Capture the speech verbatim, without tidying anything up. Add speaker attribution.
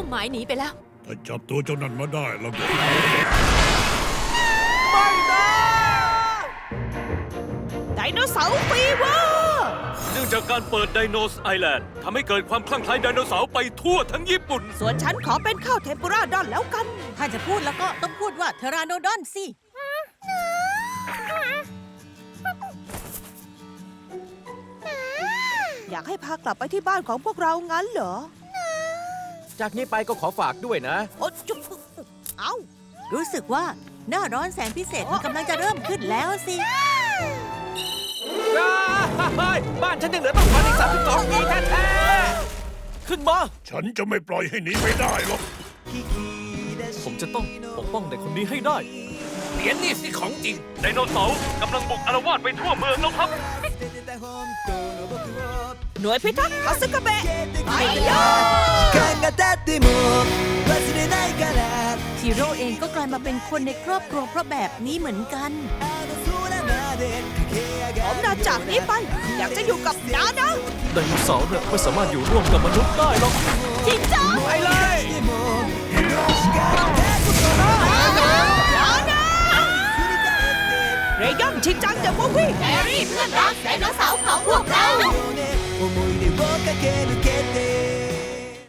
Speaker 1: หมายหนีไปแล้ว
Speaker 2: ถ้าจับตัวเจ้านั่นมาได้แล้วก็
Speaker 3: ไม่นะไดโนเสาร์ฟีเวอร์
Speaker 4: เนื่องจากการเปิดไดโนสไอแลนด์ทำให้เกิดความคลั่งไคล้ไดโนเสาร์ไปทั่วทั้งญี่ปุ่น
Speaker 3: ส่วนฉันขอเป็นข้าวเทมปุระดอนแล้วกัน
Speaker 5: ถ้าจะพูดแล้วก็ต้องพูดว่าเทราโนดอนสิ
Speaker 3: อยากให้พากลับไปที่บ้านของพวกเรางั้นเหรอ
Speaker 6: จากนี้ไปก็ขอฝากด้วยนะ
Speaker 3: โอ๊ยจุ๊บเอ้า
Speaker 5: รู้สึกว่าหน้าร้อนแสนพิเศษมันกำลังจะเริ่มขึ้นแล้วสิ
Speaker 6: บ้านฉันยังเหลือต้องพันอีกสามสิบสองปีแท้ๆขึ้นมา
Speaker 2: ฉันจะไม่ปล่อยให้หนีไปได้หรอก
Speaker 6: ผมจะต้องปกป้องเด็กคนนี้ให้ได้เหรียญนี่สิของจริง
Speaker 4: ไดโนเสาร์กำลังบุกอาละวาดไปทั่วเมืองแล้วครับ
Speaker 3: หน่วยพิทักษ์คาสึกะเบะไปยอ
Speaker 5: ทีโร่เองก็กลายมาเป็นคนในครอบครัวเพราะแบบนี้เหมือนกัน
Speaker 3: ผมนาจากนี้ไปอยากจะอยู่กับน้านะ
Speaker 6: ไดโนเสาร์เนี่ยไม่สามารถอยู่ร่วมกับมนุษย์ได้หรอก
Speaker 3: จริงจัง
Speaker 6: ไปเลย
Speaker 3: น้านะเรยอนชินจังเดอะมูฟวี่
Speaker 1: แฮร์รี่เพื่อนรักไดโนเสาร์ของพวกเรา